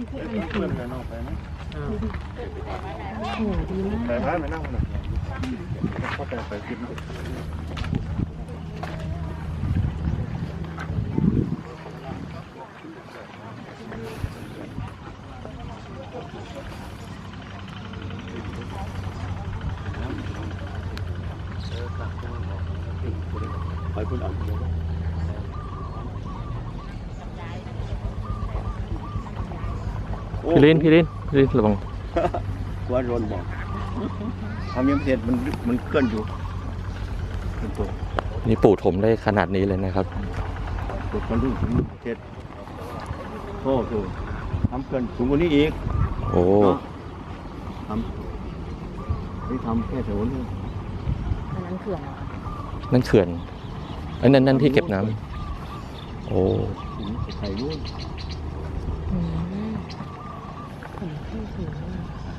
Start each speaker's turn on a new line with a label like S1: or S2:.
S1: เพื่อนกันออกไปนะ
S2: โอ้โหดีมาก
S1: ไปบ้านไปนั่งหน่อยก็ไปกินไปคุณอ่าน
S3: พี่ลินระวัง
S1: ว่าโดนบอกทำยังเสร็จมันเคลื่อนอยู่เป็นตัว
S3: นี่ปู่ถมได้ขนาดนี้เลยนะครับ
S1: ตัวคนรุ่นถึงเสร็จโอ้โหทำเกินสูงกว่านี้อีก
S3: โอ้
S1: ทำนี่ทำแค่แถวนี้
S2: อันนั้นเขื่อนเหรอ
S3: นั่นเขื่อนนั่นที่เก็บน้ำโอ้
S1: ถึงไข่รุ่น
S2: อืมผมที่สูงมาก